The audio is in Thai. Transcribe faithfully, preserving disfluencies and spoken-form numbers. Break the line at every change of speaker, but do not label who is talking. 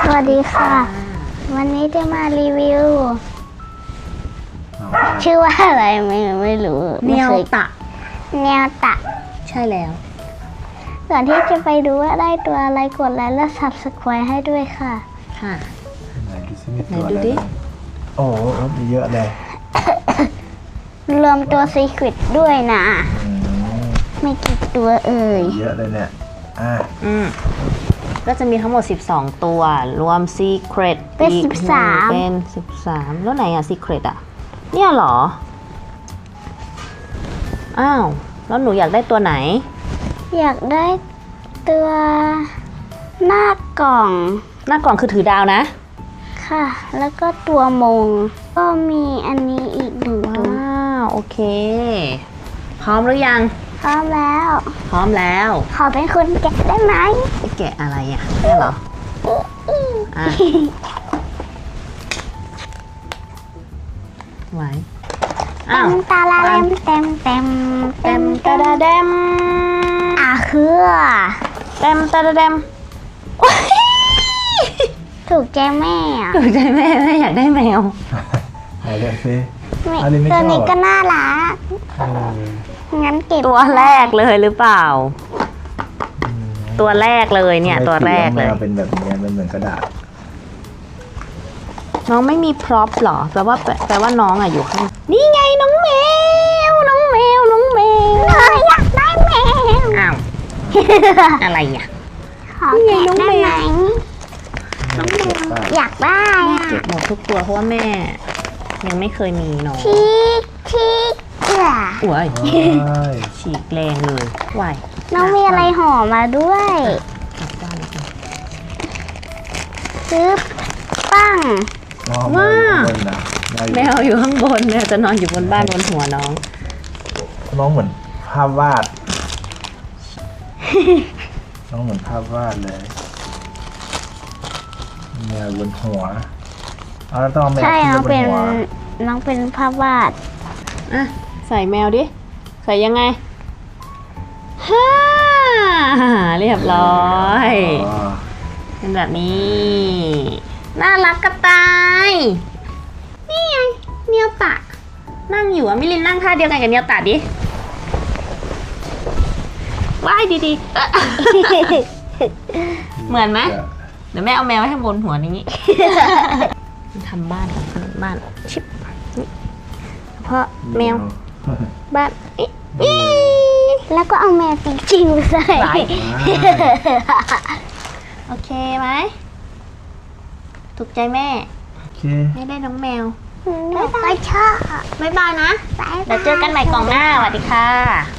สวัสดีค่ะวันนี้จะมารีวิวชื่อว่าอะไรไม่ไม่รู้
เนียวตะ
เนียวตะ
ใช่แล้ว
ก่อนที่จะไปดูว่าได้ตัวอะไรกดไลค์และ ซับสไครบ์ ให้ด้วยค่ะ
ค่ะ
ไหนดูซิมี
ไหน
ตัว
ดู
อะไร
ดิ
บ้างโอ้โหมีเยอะเลย
รวมตัวซีคริตด้วยนะ
อืม
ไม่กี่ตัวเอ่ย
เยอะเลยเนี่ยอ่ะ
อืมก็จะมีทั้งหมดสิบสองตัวรวม Secret
เป็น
อีก
สิบสาม
เป็นสิบสามแล้วไหนอะ Secret อะเนี่ยเหรออ้าวแล้วหนูอยากได้ตัวไหน
อยากได้ตัวหน้ากล่อง
หน้ากล่องคือถือดาวนะ
ค่ะแล้วก็ตัวมงก็มีอันนี้อีกหนึ่งตัว
ว้าวโอเคพร้อมหรือยัง
พร้อมแล้ว
พร้อมแล้ว
ขอเป็นคนแกะได้ไหม
จะแกะอะไรอะเนี่ยเหรออ่ะไว้
เต็มตาลาเต็มเต็มเต็ม
เต็มตาดาเดม
อ่ะคือ
เต็มตาดาเดม
ถูกใจแม่อะ
ถูกใจแม่แม่อยากได้แมว
ไหนเดี๋ยวซิ
ไม่
อันนี้ไม่ช
ตัว
อบ
นี้ก็
อ่ะ
น่ารัก
เออ
งั้นเก็บ
ตัวแรกเลยหรือเปล่า ตัวแรกเลยเนี่ยตัวแรกเลย
ทำไมสีมันเป็นแบบนี้มันเหมือนกระดาษ
น้องไม่มีพร็อพหรอแปลว่าแปลว่าน้องอะอยู่ข้างนี่ไงน้องแมวน้องแมวน้องแมว
เอออยากได้แมว
อ้าวอะไรเนี่ย
ขอแกะได้ไหม
น้องเก็บป่ะ
อยากได้
แม่
อะ
เก็บหมดทุกตัวเพราะว่าแม่ ยังไม่เคยมีน้อง
ชีกชีกเอือ
อ้วย
ว้าย
ฉีกแรงเลยไหว
น้องมีอะไรห่อมาด้วย
กลับบ้านแล้วกัน
ซื้อปั้ง
น้อง
ว้า
บนนะได้อยู่
แมวอยู่ข้างบนเนี่ยจะนอนอยู่บนบ้านบนหัวน้อง
น้องเหมือนภาพวาด น้องเหมือนภาพวาดเลยแมวบนหัวเอาแล้วต้องเอาแมว
ใช่
ขึ้น
น้อง
ไปบ
เป็น น
หัว
น้องเป็นภาพวาด
อ่ะใส่แมวดิ ใส่ยังไงฮ่าเรียบร้อย
อ๋อ
เป็นแบบนี้ น่ารักกระต่าย นี่ไงเนียวตะ นั่งอยู่อะมิลินนั่งท่าเดียวกันกับเนียวตะดิว่ายดีๆเอ๊ะเหมือนไหมเดี๋ยวแม่เอาแมวไว้ให้บนหัวอย่างนี้ ทำบ้านทำบ้านชิบนี่เพราะแมวบ้านเอ๊ะ
แล้วก็เอาแมวจริงๆมาใส่
ไหล โอเคไหมถูกใจแม่
โอเค
ไม่ได้น้องแมว
แม่ก็ชอบ
บ๊ายบายนะ
บ๊ายบาย
เดี๋ยวเจอกันใหม่กล่องหน้าสวัสดีค่ะ